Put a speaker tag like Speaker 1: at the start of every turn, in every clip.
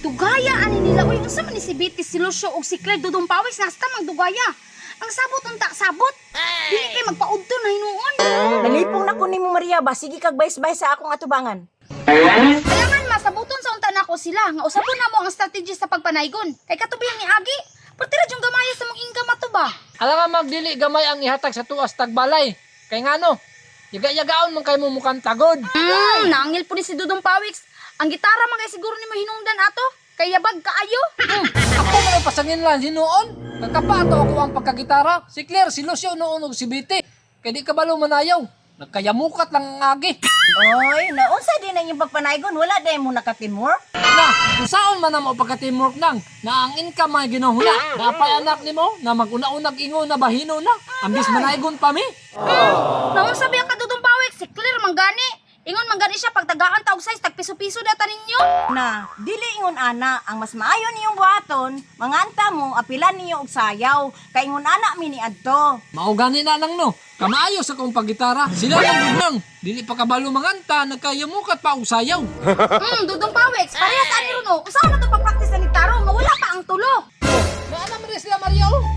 Speaker 1: Dugaya ani nila uy unsa man ni si Betty, si Lucio ug si Claire dudong pawis nasta magdugaya. Ang sabot unta sabot. Dili kay magpaudto na hinuon.
Speaker 2: Nalipong na ko nimo Maria ba, sige kag bayas-bayas sa akong atubangan.
Speaker 1: Kailangan masabuton sa unta nako sila nga usapon na mo ang strategy sa pagpanaygon. Kay katubihan ni Agi, pertira jung gamaya sa mong income ato ba?
Speaker 3: Alam nga magdili gamay ang ihatag sa tuas tagbalay. Kay ngano? Yaga-yagaon man kay mo mukhang tagod.
Speaker 1: Naangil po ni si Dudong Pawiks. Ang gitara man kay siguro nimo hinungdan ato. Kay yabag kaayo.
Speaker 3: Ako man pasangin lang hinuon. Nagkapato ako ang pagkagitara. Si Claire, si Lucio noon ug si Betty. Kay di kabalo manayaw. Nagkayamukat lang ang agi.
Speaker 2: Oy, naunsa din na yung pagpanaygon, wala din mo nakatimor.
Speaker 3: Na, kung saan man na mo pagka-teamwork nang, na ang income ay ginahula. Napay anak ni mo, na mag-una-unag ingo na bahino na. Ambis manaygon pa mi.
Speaker 1: Naon sabi ka Dudong Pawiks, si Claire manggani. Ingon manggani siya pag tagaan taog size tag piso-piso data ninyo.
Speaker 2: Na, dili ingon ana, ang mas maayo niyong buhaton, manganta mo, apilan niyo og sayaw, kay ingon ana mi ni adto.
Speaker 3: Maugani na nang no. Kamaayo sa kong paggitara. Sila lang gudang. Dili pa kabalo manganta, nagkayamukat pa og sayaw.
Speaker 1: Dudong Pawiks, parehas ani runo. Usaw na to pag-practice ni Taro, mawala pa ang tulo.
Speaker 3: Naana man rin sila Maria oh.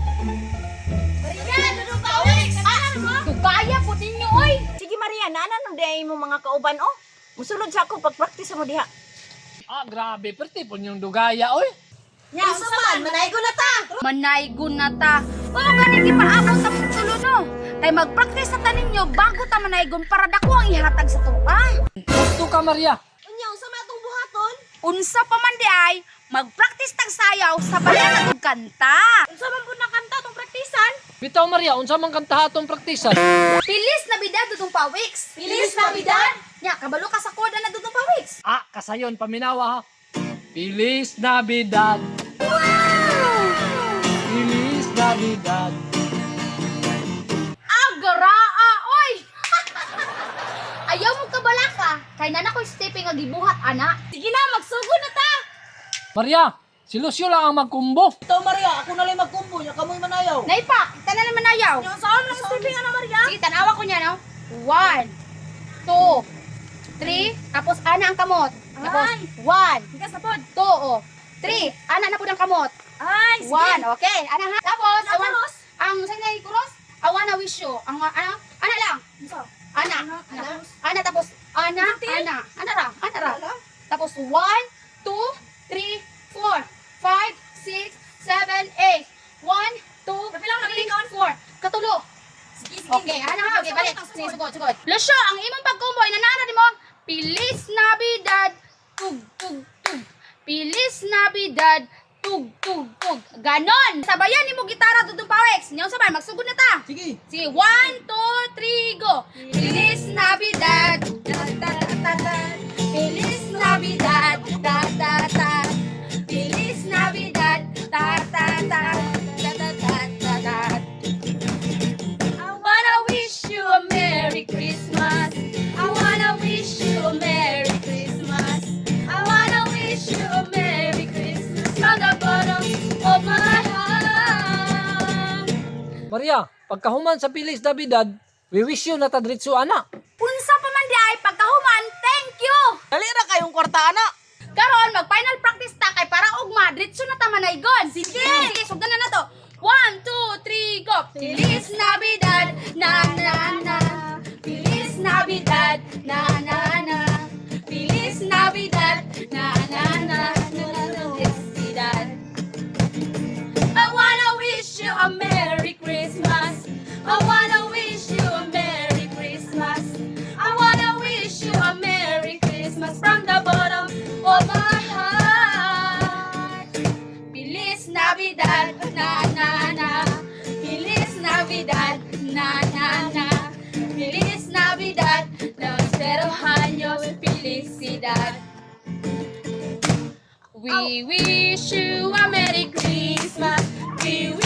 Speaker 1: Maria, Dudong Pawiks. Dugaya po ninyo oy.
Speaker 2: Sige Maria, naanan no day mo mga kauban oh. Musulod sa ako pag-practice mo diha.
Speaker 3: Ah, grabe. Perti po niyong dugaya oy.
Speaker 2: Nya, usa man, manaygo na ta.
Speaker 1: Manaygon na ta. O gani gipaabot ta mong tulo no. Kay mag-practice na ta ninyo bago ta manaygon para dako ang ihatag sa tuwa.
Speaker 3: Gusto ka Maria.
Speaker 2: Unya, usa man atong buhaton?
Speaker 1: Unsa pa man di ay mag-practice tag sayaw sa bayan ug kanta.
Speaker 2: Unsa man pud nakanta tong praktisan?
Speaker 3: Bitaw Maria, unsa man kanta atong praktisan?
Speaker 1: Pilis na bidad Dudong Pawiks.
Speaker 2: Pilis na bidad?
Speaker 1: Nya kabalo ka sa koda na Dudong Pawiks.
Speaker 3: Ah, kasayon paminawa ha. Feliz Navidad. Feliz Navidad.
Speaker 1: Agaraa oy. Ayaw mo kabala ka. Kay nana ko stepping nga gibuhat ana. Sige na magsugod na ta.
Speaker 3: Maria, si Lucio lang ang magkumbo.
Speaker 2: Ito Maria, ako na lang magkumbo, nya kamoy manayaw.
Speaker 1: Naipa, kita na naman ayaw.
Speaker 2: Nya saan lang stepping ana Maria?
Speaker 1: Sige, tanawa ko niya, no? 1, 2, 3, tapos ana ang kamot. Tapos,
Speaker 2: Ay.
Speaker 1: 1,
Speaker 2: Tigas na pod.
Speaker 1: 2, oh, 3, ana na po ng kamot.
Speaker 2: Ay,
Speaker 1: 1, okay, ana ha. Tapos,
Speaker 2: Tapos?
Speaker 1: ang saan na kuros? I wanna wish you. Ang, ana lang. Ana, ana, tapos, ana ra. Tapos, 1, 2, 3, 4, 5, 6, 7, 8. 1, 2, 3, 4. Katulo. Okay, ana ha. Okay, balik. Sige, sugod. Lucio, ang imong pagkumboy, nanara di mo, Pilis Navidad, tug, tug, tug. Pilis Navidad, tug, tug, tug. Ganon. Sabayan ni mo gitara, Dudong Pawiks. Niyong sabay, magsugod na ta.
Speaker 3: Sige.
Speaker 1: Sige, 1, 2, 3, go. Pilis Navidad, ta, ta, ta, ta. Pilis Navidad, ta, ta, ta. Pilis Navidad, ta, ta, ta. Ta, ta, ta, ta, ta. I wanna wish you a Merry Christmas. I wanna wish you a Merry Christmas. I wanna wish you a Merry Christmas from the bottom of my heart.
Speaker 3: Maria, pagkahuman sa Feliz Navidad, we wish you na tadritso ana.
Speaker 1: Unsa pa man di ay pagkahuman, thank you.
Speaker 2: Dali ra kayong kwarta ana.
Speaker 1: Karon mag final practice ta kay para ugma diretso na ta manaygon. Sige, sugdan na nato. 1, 2, 3, go. Feliz Navidad, na na na. Feliz Navidad, na na na. Feliz Navidad, na na na. Felicidad. I wanna wish you a Merry Christmas. I wanna wish you a Merry Christmas. I wanna wish you a Merry Christmas from the bottom of my heart. Feliz Navidad, na na na. Feliz Navidad, na na na. Feliz Navidad, prospero años, felicidad. We wish you a Merry Christmas. We